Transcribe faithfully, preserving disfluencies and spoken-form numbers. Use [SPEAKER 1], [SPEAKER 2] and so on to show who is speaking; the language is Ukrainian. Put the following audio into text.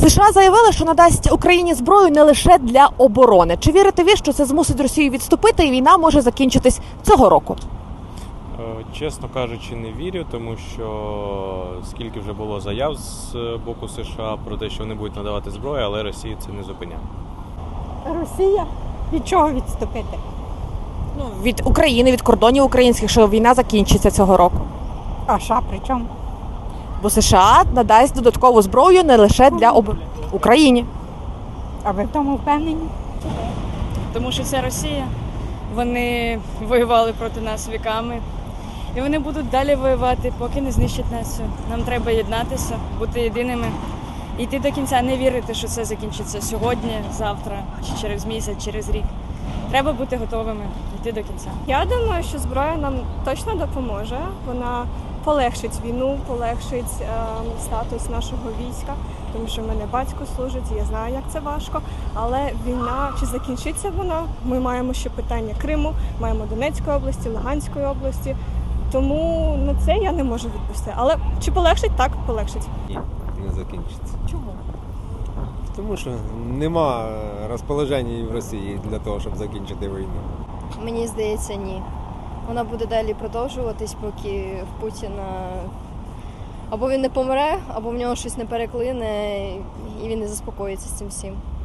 [SPEAKER 1] США заявили, що надасть Україні зброю не лише для оборони. Чи вірите ви, що це змусить Росію відступити і війна може закінчитись цього року?
[SPEAKER 2] Чесно кажучи, не вірю, тому що скільки вже було заяв з боку США про те, що вони будуть надавати зброю, але Росія це не зупиняє.
[SPEAKER 3] Росія? Від чого відступити?
[SPEAKER 1] Ну, від України, від кордонів українських, що війна закінчиться цього року.
[SPEAKER 3] А США при чому?
[SPEAKER 1] Бо США надасть додаткову зброю не лише для об... Україні.
[SPEAKER 3] А ви в тому впевнені?
[SPEAKER 4] Тому що це Росія. Вони воювали проти нас віками. І вони будуть далі воювати, поки не знищать нас. Нам треба єднатися, бути єдиними. І йти до кінця, не вірити, що це закінчиться сьогодні, завтра, чи через місяць, через рік. Треба бути готовими, йти до кінця.
[SPEAKER 5] Я думаю, що зброя нам точно допоможе. Вона полегшить війну, полегшить е, статус нашого війська, тому що в мене батько служить, і я знаю, як це важко. Але війна, чи закінчиться вона? Ми маємо ще питання Криму, маємо Донецької області, Луганської області. Тому на це я не можу відповісти. Але чи полегшить? Так, полегшить.
[SPEAKER 6] Ні, не закінчиться.
[SPEAKER 1] Чому?
[SPEAKER 6] Тому що нема розположення в Росії для того, щоб закінчити війну.
[SPEAKER 7] Мені здається, ні. Вона буде далі продовжуватись, поки в Путіна або він не помре, або в нього щось не переклине, і він не заспокоїться з цим всім.